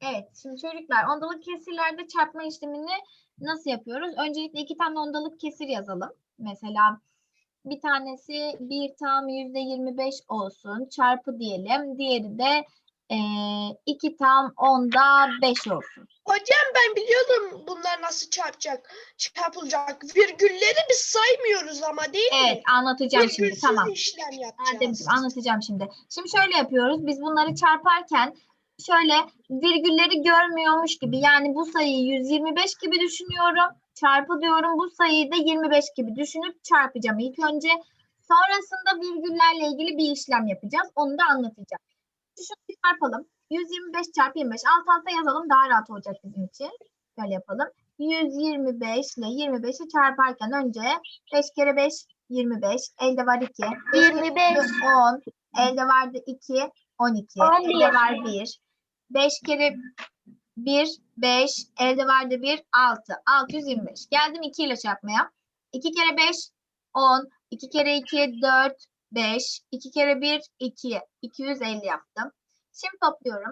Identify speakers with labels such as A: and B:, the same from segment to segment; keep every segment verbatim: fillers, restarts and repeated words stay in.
A: Evet, şimdi çocuklar ondalık kesirlerde çarpma işlemini nasıl yapıyoruz? Öncelikle iki tane ondalık kesir yazalım. Mesela bir tanesi bir tam yüzde yirmi beş olsun, çarpı diyelim. Diğeri de eee iki tam onda beş olsun.
B: Hocam ben biliyordum bunlar nasıl çarpacak, çarpılacak. Virgülleri biz saymıyoruz ama değil mi?
A: Evet, anlatacağım şimdi.
B: Virgülsüz
A: Tamam.
B: işlem
A: Ademciğim
B: yapacağız.
A: anlatacağım şimdi. Şimdi şöyle yapıyoruz. Biz bunları çarparken şöyle virgülleri görmüyormuş gibi, yani bu sayıyı yüz yirmi beş gibi düşünüyorum. Çarpı diyorum, bu sayıyı da yirmi beş gibi düşünüp çarpacağım ilk önce. Sonrasında virgüllerle ilgili bir işlem yapacağız. Onu da anlatacağım. Şunu bir çarpalım. yüz yirmi beş çarpı yirmi beş. Alt alta yazalım, daha rahat olacak bizim için. Şöyle yapalım. yüz yirmi beş ile yirmi beşi çarparken önce beş kere beş yirmi beş. Elde var iki.
C: yirmi beş.
A: on. Elde vardı iki. on iki.
C: on bir.
A: Elde var bir. beş kere bir beş. Elde vardı bir. altı. altı yüz yirmi beş. Geldim iki ile çarpmaya. iki kere beş on. iki kere iki dört. beş. iki kere bir iki. iki yüz elli yaptım. Şimdi topluyorum.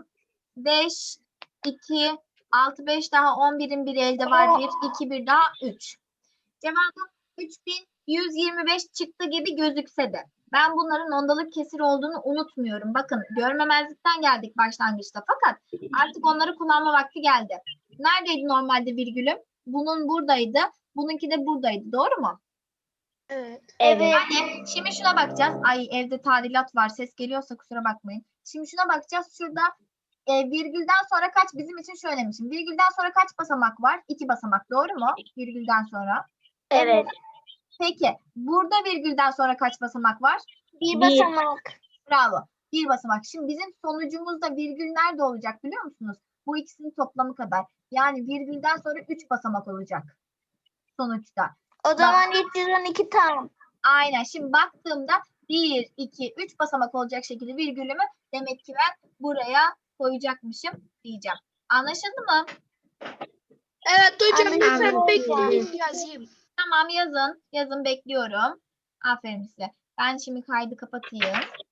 A: beş, iki, altı, beş daha on birin biri elde var bir. iki, bir daha üç. Cevabım üç bin yüz yirmi beş çıktı gibi gözükse de ben bunların ondalık kesir olduğunu unutmuyorum. Bakın görmemezlikten geldik başlangıçta, fakat artık onları kullanma vakti geldi. Neredeydi normalde virgülüm? Bunun buradaydı. Bununki de buradaydı. Doğru mu?
B: Evet.
C: Evet.
A: Yani şimdi şuna bakacağız. Ay evde tadilat var. Ses geliyorsa kusura bakmayın. Şimdi şuna bakacağız. Şurada e, virgülden sonra kaç, bizim için şu önemli. Şimdi virgülden sonra kaç basamak var? İki basamak. Doğru mu? Virgülden sonra.
C: Evet.
A: Peki burada virgülden sonra kaç basamak var?
C: Bir basamak.
A: Bravo. Bir basamak. Şimdi bizim sonucumuzda virgül nerede olacak biliyor musunuz? Bu ikisinin toplamı kadar. Yani virgülden sonra üç basamak olacak sonuçta.
C: O zaman üç yüz on iki tam.
A: Aynen. Şimdi baktığımda bir, iki, üç basamak olacak şekilde virgülümü demek ki ben buraya koyacakmışım diyeceğim. Anlaşıldı mı?
B: Evet hocam
C: Anladım.
B: lütfen bekleyin yazayım.
A: Tamam, yazın. Yazın, bekliyorum. Aferin size. Ben şimdi kaydı kapatayım.